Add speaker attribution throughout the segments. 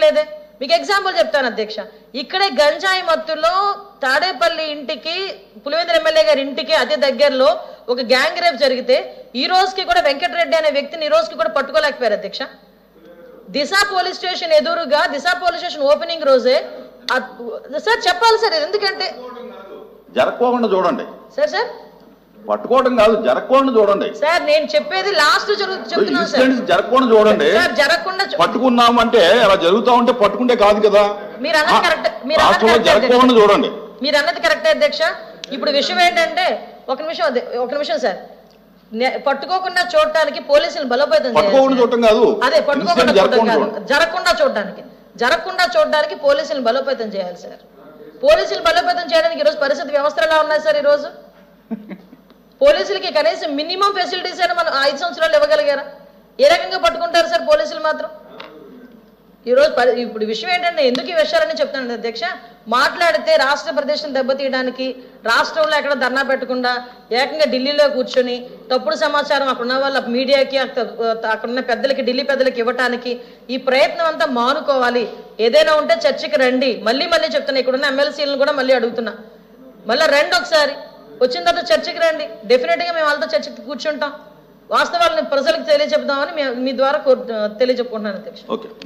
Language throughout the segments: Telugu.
Speaker 1: చేయట్లేదే. మీకు ఎగ్జాంపుల్ చెప్తాను అధ్యక్ష, ఇక్కడే గంజాయి మత్తులో తాడేపల్లి ఇంటికి పులివెందుల ఎమ్మెల్యే గారి ఇంటికి అతి దగ్గరలో ఒక గ్యాంగ్ రేప్ జరిగితే ఈ రోజుకి కూడా వెంకటరెడ్డి అనే వ్యక్తిని ఈ రోజుకి కూడా పట్టుకోలేకపోయారు అధ్యక్ష. దిశ పోలీస్ స్టేషన్ ఎదురుగా దిశ పోలీస్ స్టేషన్ ఓపెనింగ్ రోజే సార్ చెప్పాలి సార్, ఎందుకంటే
Speaker 2: జరగకుండా చూడండి
Speaker 1: సార్
Speaker 2: పట్టుకోవడం కాదు, జరగకుండా చూడండి
Speaker 1: సార్. నేను చెప్పేది లాస్ట్ చెప్తున్నాను సార్,
Speaker 2: జరగకుండా చూడండి.
Speaker 1: జరగకుండా
Speaker 2: పట్టుకున్నాం అంటే అలా జరుగుతా ఉంటే పట్టుకుంటే కాదు కదా.
Speaker 1: మీరు అన్నది కరెక్ట్,
Speaker 2: జరగకుండా చూడండి.
Speaker 1: మీరు అన్నది కరెక్టే అధ్యక్ష. ఇప్పుడు విషయం ఏంటంటే ఒక నిమిషం సార్, పట్టుకోకుండా చూడటానికి పోలీసులు బలోపేతం
Speaker 2: చూడటం కాదు,
Speaker 1: అదే పట్టుకోకుండా చూడటం కాదు, జరగకుండా చూడడానికి పోలీసులు బలోపేతం చేయాలి సార్. పోలీసులు బలోపేతం చేయడానికి ఈరోజు పరిస్థితి వ్యవస్థలు ఎలా ఉన్నాయి సార్? ఈరోజు పోలీసులకి కనీసం మినిమం ఫెసిలిటీస్ అయినా మనం 5 సంవత్సరాలు ఇవ్వగలిగారా? ఏ రకంగా పట్టుకుంటారు సార్ పోలీసులు మాత్రం? ఈరోజు ఇప్పుడు విషయం ఏంటంటే ఎందుకు ఈ విషయాలని చెప్తాను అధ్యక్ష, మాట్లాడితే రాష్ట్ర ప్రదేశం దెబ్బతీయడానికి రాష్ట్రంలో ఎక్కడ ధర్నా పెట్టకుండా ఏకంగా ఢిల్లీలో కూర్చొని తప్పుడు సమాచారం అక్కడున్న వాళ్ళ మీడియాకి అక్కడున్న పెద్దలకి ఢిల్లీ పెద్దలకి ఇవ్వటానికి ఈ ప్రయత్నం అంతా మానుకోవాలి. ఏదైనా ఉంటే చర్చకి రండి. మళ్ళీ చెప్తున్నా, ఇక్కడున్న ఎమ్మెల్సీలను కూడా మళ్ళీ అడుగుతున్నా, మళ్ళీ రండి ఒకసారి, వచ్చిన తర్వాత చర్చకి రండి. డెఫినెట్గా మేము వాళ్ళతో చర్చకి కూర్చుంటాం, వాస్తవాలను ప్రజలకు తెలియజెప్దామని మీ ద్వారా తెలియజెప్పుకుంటున్నాను అధ్యక్ష.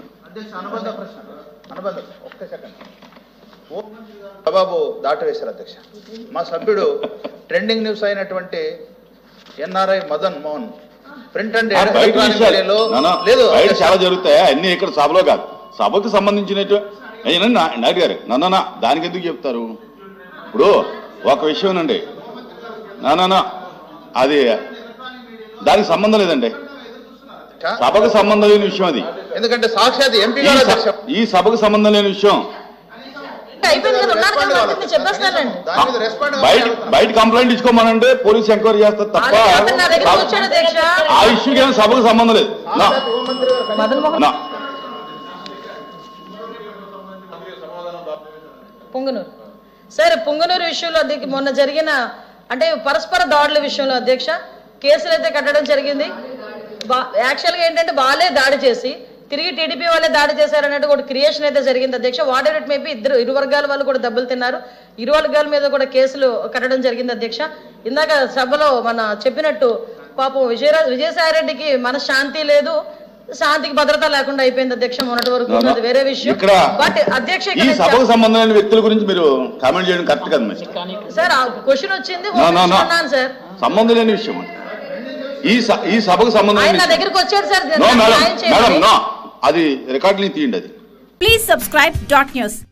Speaker 3: బాబు దాటవేశారు అధ్యక్ష. మా సభ్యుడు ట్రెండింగ్ న్యూస్ అయినటువంటి NRI Madan Mohan print and
Speaker 2: లేదు చాలా జరుగుతాయి అన్ని ఇక్కడ సభలో కాదు, సభకు సంబంధించినట్టు నాయుడు గారు నన్న దానికి ఎందుకు చెప్తారు? ఇప్పుడు ఒక విషయం అండి, అది దానికి సంబంధం లేదండి, సభకు సంబంధం లేని విషయం అది.
Speaker 3: ఎందుకంటే సాక్షాత్ ఎంపీ
Speaker 2: ఈ సభకు సంబంధం లేని విషయం. బయట కంప్లైంట్ ఇచ్చుకోమనంటే పోలీసు ఎంక్వైరీ చేస్తారు తప్ప ఆ ఇష్యూకి ఏమైనా సభకు సంబంధం లేదు.
Speaker 1: పొంగనూరు సరే, పొంగనూరు విషయంలో మొన్న జరిగిన అంటే పరస్పర దాడుల విషయంలో అధ్యక్ష కేసులు అయితే కట్టడం జరిగింది. యాక్చువల్గా ఏంటంటే వాళ్ళే దాడి చేసి తిరిగి టీడీపీ వాళ్ళే దాడి చేశారన్నట్టు ఒక క్రియేషన్ అయితే జరిగింది అధ్యక్ష. Whatever it may be, ఇరు వర్గాల వాళ్ళు కూడా దెబ్బలు తిన్నారు, ఇరు వర్గాల మీద కూడా కేసులు కట్టడం జరిగింది అధ్యక్ష. ఇందాక సభలో మన చెప్పినట్టు పాపం విజయసాయిరెడ్డికి మన శాంతి లేదు, శాంతికి భద్రత లేకుండా అయిపోయింది అధ్యక్ష మొన్నటి వరకు. అది వేరే విషయం. బట్ అధ్యక్ష
Speaker 2: సభకు సంబంధమైన వ్యక్తుల గురించి మీరు కామెంట్ చేయడం కరెక్ట్ కదా
Speaker 1: సార్. ఆ క్వశ్చన్ వచ్చింది సార్,
Speaker 2: సంబంధం లేని విషయం. ఈ సభకు సంబంధం
Speaker 1: నా దగ్గరికి వచ్చారు సార్,
Speaker 2: అది రికార్డుని తీయండి. అది
Speaker 4: ప్లీజ్ సబ్స్క్రైబ్ .న్యూస్.